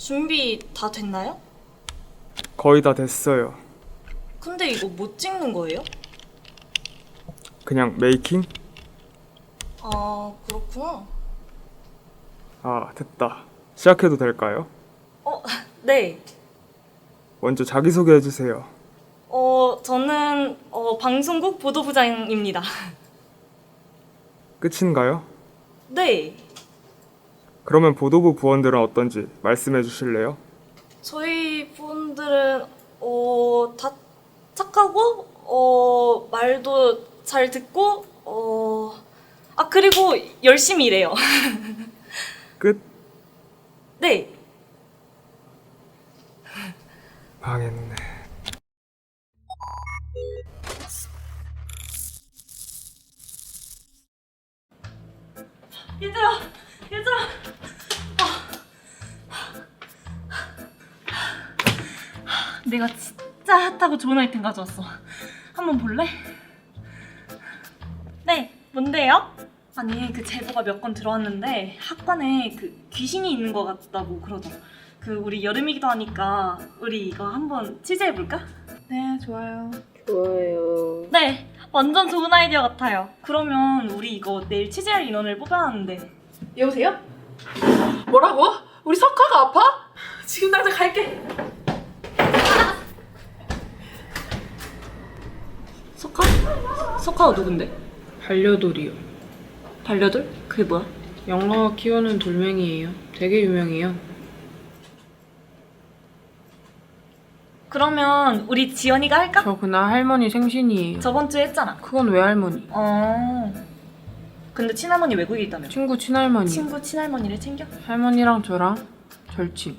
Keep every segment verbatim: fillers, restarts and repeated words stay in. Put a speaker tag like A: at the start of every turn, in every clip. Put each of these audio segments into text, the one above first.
A: 준비 다 됐나요?
B: 거의 다 됐어요.
A: 근데 이거 못 찍는 거예요?
B: 그냥 메이킹?
A: 아, 그렇구나.
B: 아, 됐다. 시작해도 될까요?
A: 어, 네.
B: 먼저 자기소개 해주세요.
A: 어, 저는 어, 방송국 보도부장입니다.
B: 끝인가요?
A: 네.
B: 그러면 보도부 부원들은 어떤지 말씀해 주실래요?
A: 저희 분들은 어, 다 착하고 어, 말도 잘 듣고 어, 아 그리고 열심히 일해요.
B: 끝?
A: 네.
B: 망했네.
A: 얘들아, 얘들아. 아. 내가 진짜 핫하고 좋은 아이템 가져왔어. 한번 볼래? 네, 뭔데요? 아니, 그 제보가 몇 건 들어왔는데 학관에 그 귀신이 있는 것 같다고 그러더라. 그 우리 여름이기도 하니까 우리 이거 한번 취재해볼까?
C: 네, 좋아요.
D: 좋아요.
A: 네, 완전 좋은 아이디어 같아요. 그러면 우리 이거 내일 취재할 인원을 뽑아놨는데.
C: 여보세요? 뭐라고? 우리 석화가 아파? 지금 당장 갈게.
A: 석화? 석화가 누군데?
D: 반려돌이요.
A: 반려돌? 그게 뭐야?
D: 영라가 키우는 돌멩이에요. 되게 유명해요.
A: 그러면 우리 지연이가 할까?
D: 저 그날 할머니 생신이에요.
A: 저번 주에 했잖아.
D: 그건 외할머니.
A: 어. 근데 친할머니 외국에 있다며.
D: 친구 친할머니.
A: 친구 친할머니를 챙겨?
D: 할머니랑 저랑 절친.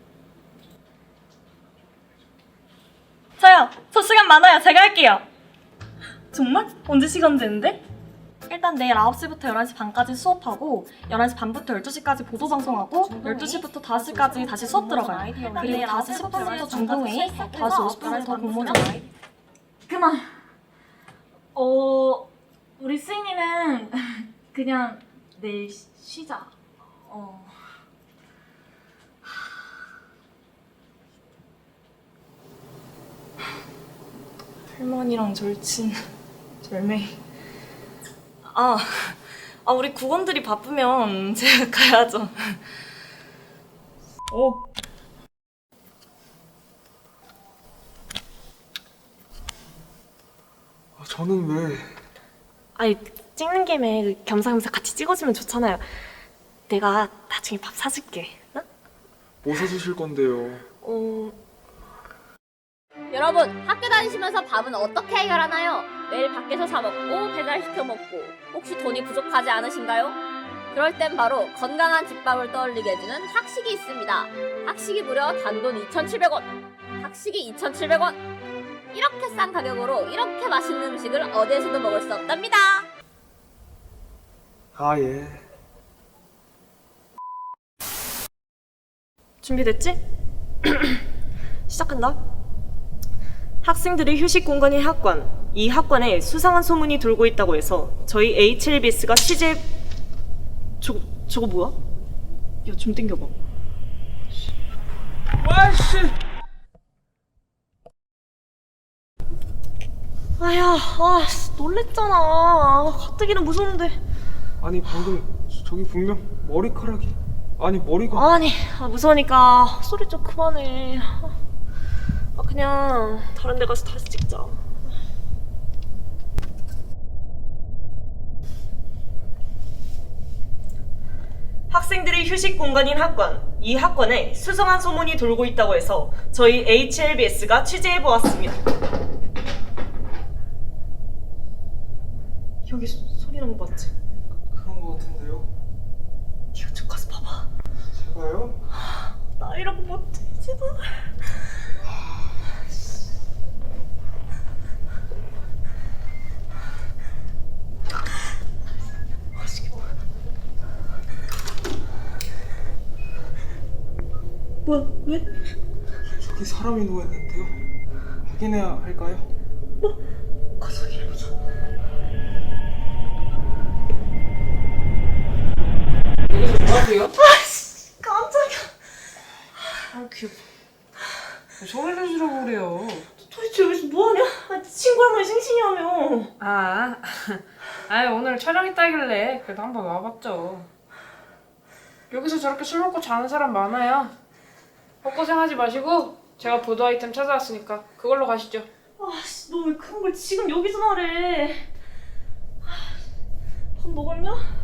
A: 저요. 저 시간 많아요. 제가 할게요. 정말? 언제 시간 되는데? 일단 내일 아홉 시부터 열한 시 반까지 수업하고 열한 시 반부터 열두 시까지 보도 방송하고 열두 시부터 다섯 시까지 다시 수업 들어가요. 그리고 다섯 시 십 분부터 중동회의, 다섯 시 오십 분부터 공모전. 그만. 어, 우리 수인이는 그냥 내일 쉬- 쉬자. 어. 할머니랑 절친, 절매. 아, 아 우리 국원들이 바쁘면 제가 가야죠.
B: 어? 아, 저는 왜?
A: 아니 찍는 김에 겸사겸사 같이 찍어주면 좋잖아요. 내가 나중에 밥 사줄게. 응?
B: 뭐 사주실 건데요?
A: 어,
E: 여러분, 학교 다니시면서 밥은 어떻게 해결하나요? 매일 밖에서 사 먹고 배달시켜 먹고 혹시 돈이 부족하지 않으신가요? 그럴 땐 바로 건강한 집밥을 떠올리게 해주는 학식이 있습니다. 학식이 무려 단돈 이천칠백 원, 학식이 이천칠백 원. 이렇게 싼 가격으로 이렇게 맛있는 음식을 어디에서도 먹을 수 없답니다.
B: 아, 예.
A: 준비됐지? 시작한다. 학생들의 휴식 공간인 학관. 이 학관에 수상한 소문이 돌고 있다고 해서 저희 에이치엘비에스가 취재... 저거, 저거 뭐야? 야, 좀 땡겨봐.
B: 와씨!
A: 아야, 아, 놀랬잖아. 가뜩이나 무서운데.
B: 아니 방금 저기 분명 머리카락이 아니 머리가
A: 아니, 아, 무서우니까 소리 좀 그만해. 아, 그냥 다른 데 가서 다시 찍자. 학생들의 휴식 공간인 학관. 이 학관에 수상한 소문이 돌고 있다고 해서 저희 에이치엘비에스가 취재해보았습니다. 여기 소, 소리 나는 거 맞지?
B: 그런 거 같은데요?
A: 네가 좀 가서 봐봐.
B: 제가요?
A: 나 이러고 못해, 제발. 뭐야, 왜?
B: 저기 사람이 누워있는데요? 확인해야 할까요?
A: 가서 확인해보자.
D: 뭐하세요?
A: 아씨, 깜짝이야.
D: 아 귀여워. 소리를 지르고 그래요.
A: 도대체 여기서 뭐하냐? 아, 친구 할머니 생신이라며.
D: 아, 아 오늘 촬영 있다길래 그래도 한번 와봤죠. 여기서 저렇게 술 먹고 자는 사람 많아요. 헛고생하지 마시고 제가 보도 아이템 찾아왔으니까 그걸로 가시죠.
A: 아씨, 너 왜 그런 걸 지금 여기서 말해? 아, 밥 먹었냐?